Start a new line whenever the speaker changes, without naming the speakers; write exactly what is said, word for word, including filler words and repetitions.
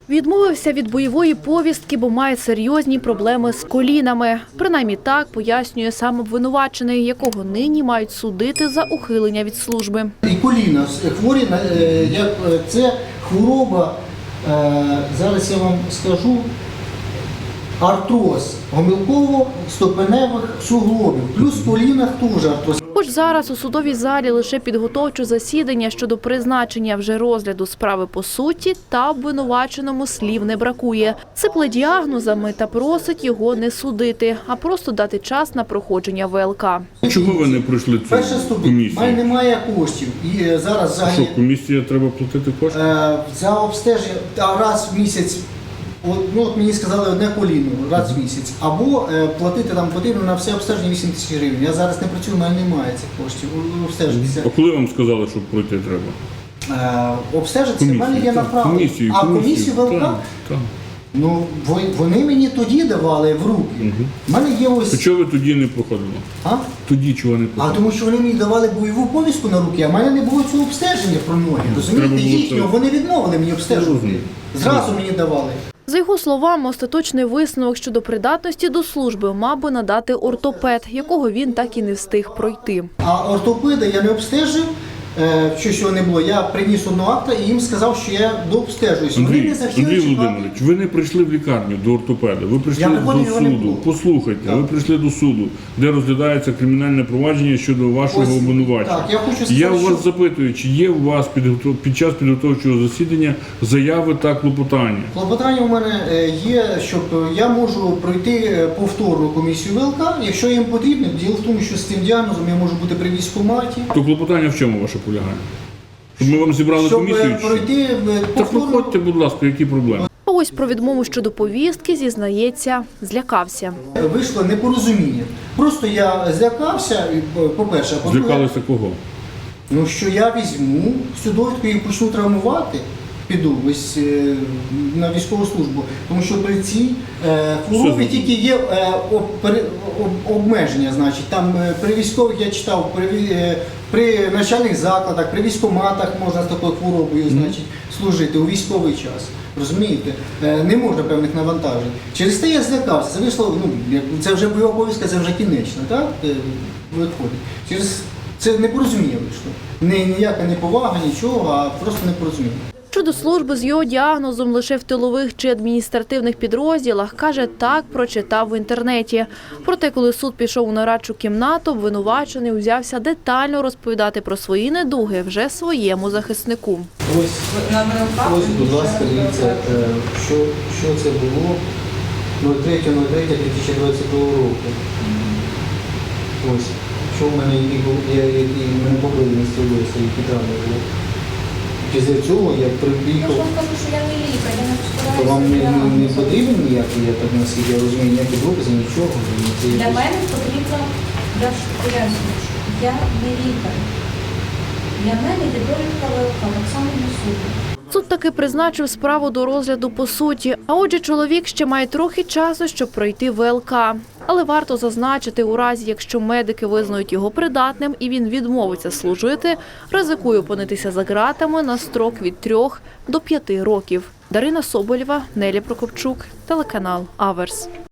Відмовився від бойової повістки, бо має серйозні проблеми з колінами. Принаймні так пояснює сам обвинувачений, якого нині мають судити за ухилення від служби.
І коліна хворі, як це хвороба, зараз я вам скажу, артроз гомілково-стопеневих суглобів, плюс в колінах теж артроз.
Хоч зараз у судовій залі лише підготовче засідання щодо призначення вже розгляду справи по суті, та обвинуваченому слів не бракує. Сипле діагнозами та просить його не судити, а просто дати час на проходження В Л К.
Чого ви не пройшли цю комісію?
У мене немає коштів. І зараз взагалі...
Що, комісія треба платити кошти?
Е, за обстеження раз в місяць. От, ну, от мені сказали одне коліно раз в місяць, або е, платити там потрібно на все обстеження вісім тисяч гривень. Я зараз не працюю, в мене немає цих коштів. Обстежитися.
А коли вам сказали, що пройти треба?
Е, обстежитися, в мене є направлення.
Комісію,
а
комісію,
комісію В Л К?
Так, так.
Ну, вони мені тоді давали в руки.
Угу.
У мене є ось...
То чого ви тоді не проходили?
А?
Тоді чого не
А
проходили?
тому що вони мені давали бойову повістку на руки, а в мене не було цього обстеження про ноги. Розумієте,
було
їхнього,
це.
вони відмовили мені обстежувати. Зразу мені давали.
За його словами, остаточний висновок щодо придатності до служби мав би надати ортопед, якого він так і не встиг пройти.
А ортопеда я не обстежив, е, що цього не було. Я приніс одного акта і їм сказав, що я дообстежуюся. Вони
Андрій,
не захотіли
Андрій
чекати.
Володимирович, ви не прийшли в лікарню до ортопеда, ви прийшли
Я
до
приходив, його не
суду.
було.
Послухайте,
Так.
ви прийшли до суду, де розглядається кримінальне провадження щодо вашого
Ось,
обвинувачення.
так, я хочу сказати,
Я у вас
що-
запитую, чи є у вас підготов- під час підготовчого засідання заяви та клопотання?
Клопотання у мене е, є, щоб я можу пройти е, повторну комісію В Л К, якщо їм потрібно. Діло в тому, що з цим діагнозом я можу бути при військкоматі.
То клопотання в чому ваше полягає? Щоб ми вам зібрали
Щоб
комісію?
е,
чи що?
пройти в
Та
повторну...
проходьте, будь ласка, які проблеми?
А ось про відмову щодо повістки, зізнається, злякався.
Вийшло непорозуміння. Просто я злякався, і, по-перше, а по-друге,
Злякалися кого?
ну, що я візьму цю довідку і почну травмувати, піду ось е, на військову службу. Тому що при цій е, хворобі
Що?
тільки є е, об, пере- об, обмеження. Значить, там е, при військових я читав, при, ві- е, при навчальних закладах, при військкоматах можна з такою хворобою значить, служити у військовий час. Розумієте? Е, не можна певних навантажень. Через те я злякався. Це вийшло, ну, як- це вже бойова повістка, це вже кінечно, так? Е, виходить. Через це непорозуміння вийшло. Не, ніяка не повага, нічого, а просто непорозуміння.
Щодо служби з його діагнозом лише в тилових чи адміністративних підрозділах, каже, так прочитав в інтернеті. Проте, коли суд пішов у нарадчу кімнату, обвинувачений узявся детально розповідати про свої недуги вже своєму захиснику.
Ось, ось, будь ласка, дивіться, е, що, що це було третє третє дві тисячі двадцятого року. Ось, що в мене, які, були- я- які в мене побили місцевості, які травми були. Після цього я
Я ж
приїхав,
вам кажу, що я не лікар, я не
то вам не, не, не
розповідаю.
потрібен ніякий, я так наскільки я розумію, ніякі докази, нічого. Це
Для
якось-
мене потрібно, я ж пояснюю, що я не лікар. Для мене є довідка В Л К, так само на суду.
Суд таки призначив справу до розгляду по суті. А отже, чоловік ще має трохи часу, щоб пройти В Л К. Але варто зазначити, у разі, якщо медики визнають його придатним і він відмовиться служити, ризикує опинитися за ґратами на строк від трьох до п'яти років. Дарина Соболєва, Нелі Прокопчук, телеканал Аверс.